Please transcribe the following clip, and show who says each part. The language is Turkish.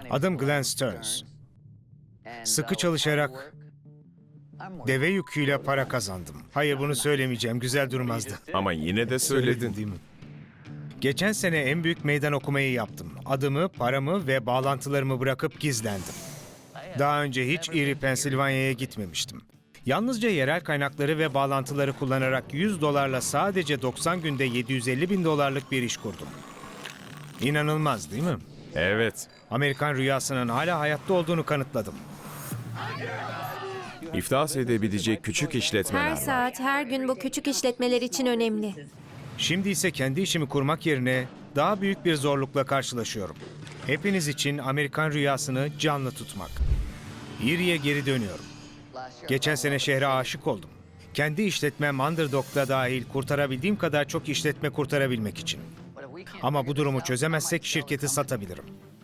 Speaker 1: Adım Glenn Stearns. Sıkı çalışarak deve yüküyle para kazandım. Hayır, bunu söylemeyeceğim. Güzel durmazdı.
Speaker 2: Ama yine de söyledin.
Speaker 1: Değil mi? Geçen sene en büyük meydan okumayı yaptım. Adımı, paramı ve bağlantılarımı bırakıp gizlendim. Daha önce hiç Erie, Pensilvanya'ya gitmemiştim. Yalnızca yerel kaynakları ve bağlantıları kullanarak $100'la sadece 90 günde $750.000 bir iş kurdum. İnanılmaz değil mi?
Speaker 2: Evet.
Speaker 1: Amerikan rüyasının hala hayatta olduğunu kanıtladım.
Speaker 2: İflas edebilecek küçük
Speaker 3: Her
Speaker 2: işletmeler var.
Speaker 3: saat, her gün bu küçük işletmeler için önemli.
Speaker 1: Şimdi ise kendi işimi kurmak yerine daha büyük bir zorlukla karşılaşıyorum. Hepiniz için Amerikan rüyasını canlı tutmak. Erie'ye geri dönüyorum. Geçen sene şehre aşık oldum. Kendi işletmem Underdog'da dahil kurtarabildiğim kadar çok işletme kurtarabilmek için. Ama bu durumu çözemezsek şirketi satabilirim.